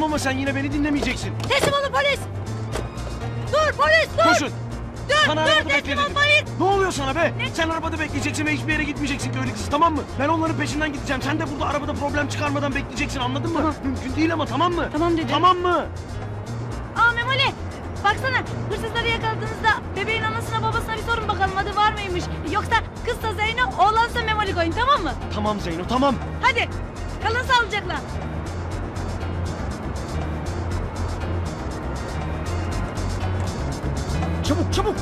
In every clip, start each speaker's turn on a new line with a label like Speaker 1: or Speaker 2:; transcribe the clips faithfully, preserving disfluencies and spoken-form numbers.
Speaker 1: ama sen yine beni dinlemeyeceksin.
Speaker 2: Teslim olun polis. Dur polis dur.
Speaker 1: Koşun.
Speaker 2: Dur
Speaker 1: Sana
Speaker 2: dur
Speaker 1: arabada
Speaker 2: teslim
Speaker 1: bekle
Speaker 2: ol
Speaker 1: dedim.
Speaker 2: polis.
Speaker 1: Ne oluyor sana be? Sen arabada bekleyeceksin ve hiçbir yere gitmeyeceksin köylü kız, tamam mı? Ben onların peşinden gideceğim. Sen de burada arabada problem çıkarmadan bekleyeceksin, anladın mı?
Speaker 2: Tamam.
Speaker 1: Mümkün değil ama, tamam mı?
Speaker 2: Tamam dedim.
Speaker 1: Tamam mı?
Speaker 2: Aa Memoli. Baksana hırsızları yakaladığınızda bebeğin anasına babasına bir sorun bakalım adı var mıymış. Yoksa kızsa Zeyno oğlansa Memoli koyun, tamam mı?
Speaker 1: Tamam Zeyno, tamam.
Speaker 2: Hadi kalın sağlıcakla.
Speaker 1: Çabuk çabuk.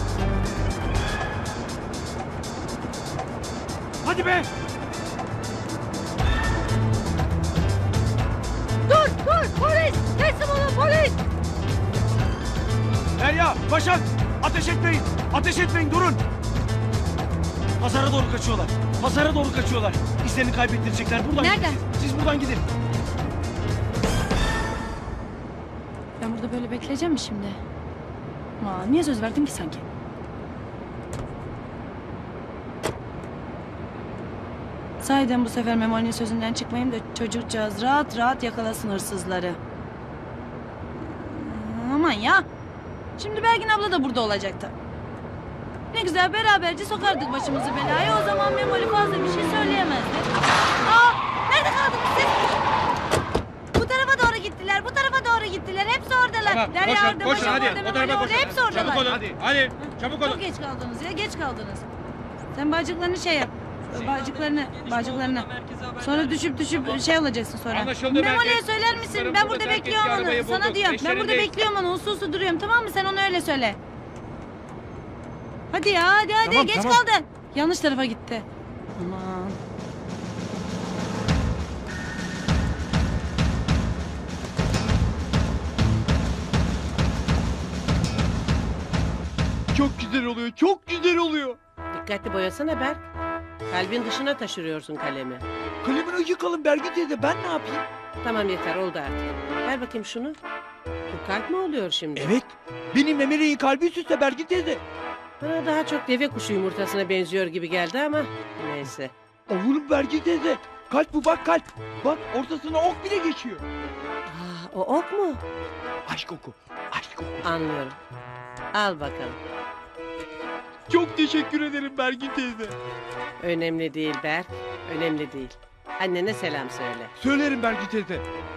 Speaker 1: Hadi be.
Speaker 2: Dur dur polis. Teslim olun polis.
Speaker 1: Derya, Başak, ateş etmeyin. Ateş etmeyin, durun. Pazara doğru kaçıyorlar. Pazara doğru kaçıyorlar. İzlerini kaybettirecekler. Buradan
Speaker 2: Nereden?
Speaker 1: gidin. Siz buradan gidin.
Speaker 2: Ben burada böyle bekleyeceğim mi şimdi? Aa, niye söz verdin ki sanki? Sahiden bu sefer Memoli'nin sözünden çıkmayayım da çocukcağız rahat rahat yakalasın hırsızları. Aman ya. Şimdi Belgin abla da burada olacaktı. Ne güzel beraberce sokardık başımızı belaya. O zaman Memoli fazla bir şey söyleyemezdi. Aa, nerede kaldınız siz? Bu tarafa doğru gittiler. Bu tarafa doğru gittiler. Hepsi oradalar.
Speaker 3: Tamam,
Speaker 2: Derya
Speaker 3: koşun,
Speaker 2: orada,
Speaker 3: koşun,
Speaker 2: Başak
Speaker 3: hadi.
Speaker 2: orada,
Speaker 3: O
Speaker 2: Memoli
Speaker 3: tarafa
Speaker 2: orada.
Speaker 3: koşun.
Speaker 2: Hepsi oradalar.
Speaker 3: Çabuk olun.
Speaker 1: Hadi.
Speaker 3: Hadi. Çabuk olun.
Speaker 2: Çok geç kaldınız ya, geç kaldınız. Sen bacıklarını şey yap. Bacıklarını, bacıklarını. Sonra düşüp düşüp şey olacaksın sonra.
Speaker 3: Anlaşıldı,
Speaker 2: Memoli'ye
Speaker 3: merkez.
Speaker 2: söyler misin?
Speaker 3: Kızlarım
Speaker 2: Ben
Speaker 3: burada
Speaker 2: burada
Speaker 3: terk
Speaker 2: bekliyorum
Speaker 3: ettiği
Speaker 2: onu.
Speaker 3: arabayı
Speaker 2: Sana
Speaker 3: bulduk.
Speaker 2: diyorum. Ben
Speaker 3: Eşleri
Speaker 2: burada
Speaker 3: de-
Speaker 2: bekliyorum onu. Uslu uslu duruyorum, tamam mı? Sen onu öyle söyle. Hadi ya, hadi hadi.
Speaker 1: Tamam,
Speaker 2: Geç
Speaker 1: tamam.
Speaker 2: kaldın. Yanlış tarafa gitti. Aman.
Speaker 4: Çok güzel oluyor, çok güzel oluyor.
Speaker 5: Dikkatli boyasana Berk. Kalbin dışına taşırıyorsun kalemi.
Speaker 4: Kalemini yıkalım Bergin teyze, ben ne yapayım?
Speaker 5: Tamam yeter oldu artık. Ver bakayım şunu. Bu kalp mi oluyor şimdi?
Speaker 4: Evet, benim Memeli'nin kalbi süsle Bergin teyze.
Speaker 5: Bana daha çok deve kuşu yumurtasına benziyor gibi geldi ama neyse.
Speaker 4: Oğlum Bergin teyze, kalp bu bak kalp. Bak ortasına ok bile geçiyor.
Speaker 5: Aa, o ok mu?
Speaker 4: Aşk oku, aşk oku.
Speaker 5: Anlıyorum. Al bakalım.
Speaker 4: Çok teşekkür ederim Bergin teyze.
Speaker 5: Önemli değil Berk. Önemli değil. Annene selam söyle.
Speaker 4: Söylerim Bergin teyze.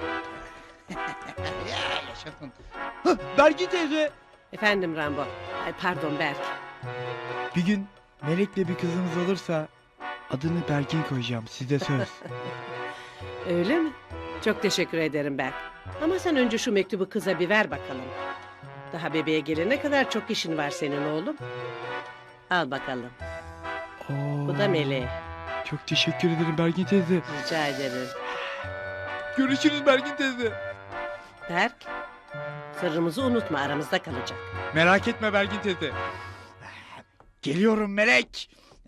Speaker 4: Ya yaşasın. Hah, Bergin teyze.
Speaker 5: Efendim Rambo. Ay, pardon Berk.
Speaker 4: Bir gün Melek'le bir kızımız olursa adını Bergin koyacağım, size söz.
Speaker 5: Öyle mi? Çok teşekkür ederim Berk. Ama sen önce şu mektubu kıza bir ver bakalım. Daha bebeğe gelene kadar çok işin var senin oğlum. Al bakalım.
Speaker 4: Oo,
Speaker 5: Bu da Meleğe.
Speaker 4: Çok teşekkür ederim Bergin teyze.
Speaker 5: Rica ederim.
Speaker 4: Görüşürüz Bergin teyze.
Speaker 5: Berk, sırrımızı unutma aramızda kalacak.
Speaker 4: Merak etme Bergin teyze. Geliyorum Melek.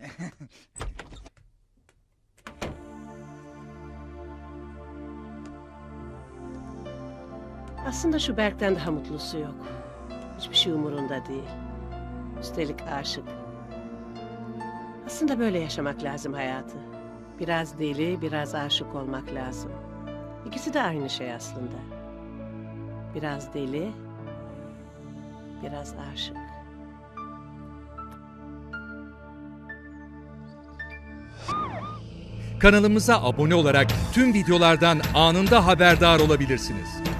Speaker 5: Aslında şu Berk'ten daha mutlusu yok. Hiçbir şey umurunda değil. Üstelik aşık. Aslında böyle yaşamak lazım hayatı. Biraz deli, biraz aşık olmak lazım. İkisi de aynı şey aslında. Biraz deli, biraz aşık.
Speaker 6: Kanalımıza abone olarak tüm videolardan anında haberdar olabilirsiniz.